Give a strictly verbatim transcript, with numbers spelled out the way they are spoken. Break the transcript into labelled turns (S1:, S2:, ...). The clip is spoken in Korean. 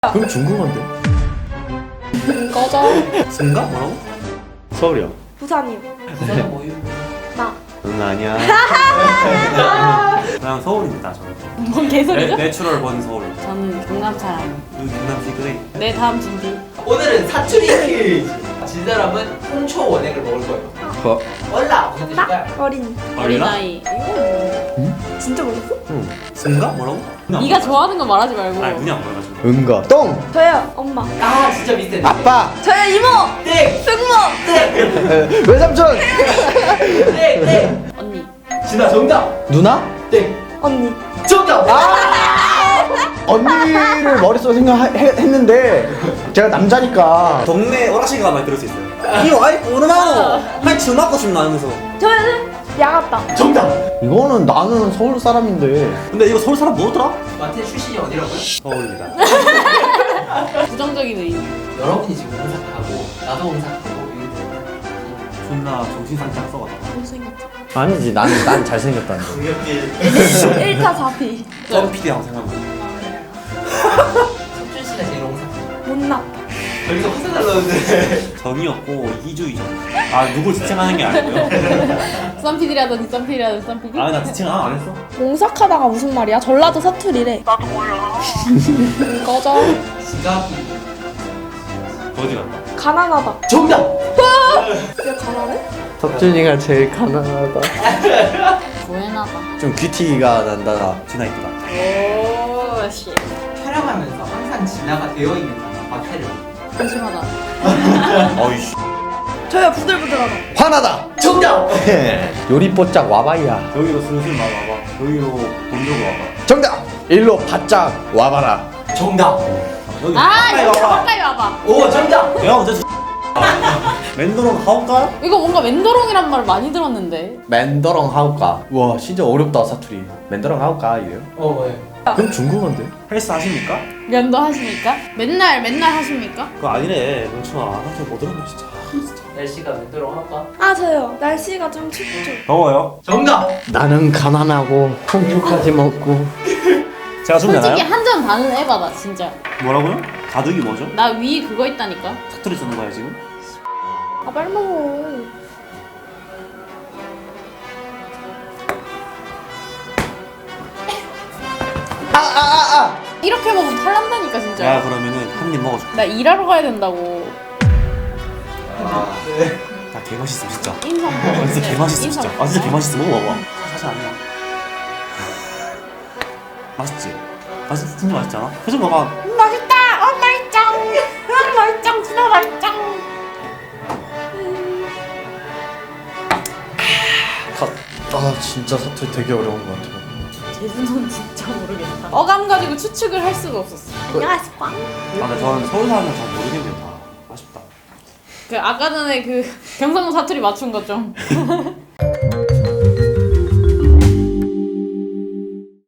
S1: 그럼 중국어인데?
S2: 꺼져.
S1: 승가? 뭐라고? 서울이야.
S2: 부산이요.
S3: 부산은 뭐유?
S2: 나.
S1: 응 아니야.
S4: 그냥 서울입니다 저는.
S5: 뭔 개소리죠?
S4: 내, 내추럴 본 서울.
S5: 저는 경남 사람.
S4: 여기 경남 시그레이.
S5: 내 다음 진주.
S3: 오늘은 사투리 퀴즈. 진 사람은 홍초 원액을 먹을 거예요.
S1: 어?
S3: 얼라 무슨 뜻일까요?
S2: 어린.
S5: 어린아이.
S2: 진짜 몰랐어?
S1: 응. 승가? 뭐라고?
S5: 네가 좋아하는 거 말하지 말고.
S4: 아니 눈이 안 보여가지고.
S1: 응가. 똥.
S2: 저요. 엄마.
S3: 아 진짜 비슷해.
S1: 아빠.
S2: 저요. 이모.
S3: 땡!
S2: 승모.
S3: 땡!
S1: 외삼촌.
S3: 땡! 땡!
S5: 언니.
S3: 진아 정답!
S1: 누나?
S3: 땡!
S2: 언니.
S3: 정답!
S1: 언니를 머릿속에 생각했는데 제가 남자니까.
S4: 동네 오락실 가면 들을 수 있어요. 이거 아이 오르마노. 한 주먹고 싶나 하면서.
S2: 저는 야갔다.
S3: 정답!
S1: 이거는 나는 서울 사람인데.
S4: 근데 이거 서울 사람 뭐더라?
S3: 마태 출신이 어디라고요?
S4: 서울입니다.
S5: 부정적인 의미.
S3: 여러분이 지금 홍삭하고 나도 홍삭하고
S4: 존나 정신상장 써가지고.
S5: 못생겼죠.
S1: 아니지, 난, 난 잘생겼다는 거.
S2: 일 타 사 피.
S4: 썸 피디하고 생각나.
S3: 석준 씨가 제일 홍삭.
S2: 못났다.
S3: 저기서 화살 날라오는데
S4: 정이었고 이주이죠. 아 누굴 지칭하는 게 아니고요.
S5: 쌈피디라더니 쌈피디라더니 쌈피디.
S4: 아 나 지칭 안 했어.
S2: 공삭하다가 무슨 말이야? 전라도 사투리래. 나도 몰라. 꺼져.
S3: 지갑이
S4: 어디 갔다?
S2: 가난하다.
S3: 정답!
S2: 왜 가난해?
S1: 석준이가 제일 가난하다.
S5: 고해나다.
S1: 좀 귀티가 난다.
S4: 진아 이쁘다.
S5: 오 씨.
S3: 촬영하면서 항상 진아가 되어 있는 마태를
S5: 한심하다.
S4: 어이씨.
S2: 저요. 부들부들하다.
S1: 화나다.
S3: 정답!
S1: 요리뽀짝 와봐야.
S4: 여기로 슬슬 와봐. 여기로 돈 들고 와봐.
S1: 정답. 일로 바짝 와봐라.
S3: 정답!
S4: 여기
S5: 아
S4: 가까이
S5: 여기
S4: 와봐.
S5: 가까이 와봐.
S3: 오 정답!
S4: 야 언제 맨도로 가볼까?
S5: 이거 뭔가 맨도롱이란 말 많이 들었는데.
S1: 맨더렁 하우까. 와 진짜 어렵다 사투리. 맨더렁 하우까 이래요?
S3: 어 왜?
S1: 그럼 중국어인데?
S4: 헬스 하십니까?
S5: 면도 하십니까? 맨날 맨날 하십니까?
S4: 그거 아니래 명춘아. 나한테 뭐 들었나 진짜.
S3: 날씨가 맨도록 할까?
S2: 아 저요. 날씨가 좀 춥죠.
S4: 더워요?
S3: 정답!
S1: 나는 가난하고 홍초까지 먹고.
S4: 제가 좀
S5: 솔직히
S4: 되나요?
S5: 한 점 반은 해봐봐 진짜.
S4: 뭐라고요? 가득이 뭐죠?
S5: 나 위 그거 있다니까.
S4: 사투리 쓰는 거야 지금?
S2: 아 빨리 먹어.
S5: 이렇게 먹으면 탈난다니까 진짜.
S4: 야 그러면은 한 입 먹어줄게.
S5: 나 일하러 가야 된다고.
S4: 나 개맛있어 진짜.
S5: 인상.
S4: 아 진짜 개맛있어 진짜. 아 진짜 개맛있어. 먹어봐봐. 사실 아니야. 맛있지? 맛있 진짜 맛있지 않아? 표정 봐봐.
S5: 맛있다. 어 맛있짱. 어 맛있짱. 진짜 맛있짱.
S1: 아 진짜 사투리 되게 어려운 것 같아.
S5: 제주도는 진짜 모르겠다. 어감 가지고 추측을 할 수가 없었어.
S2: 안녕하세요. 꽝.
S4: 아 근데 저는 서울 사람은 잘 모르겠네요 다. 아쉽다.
S5: 그 아까 전에 그 경상도 사투리 맞춘 거 좀.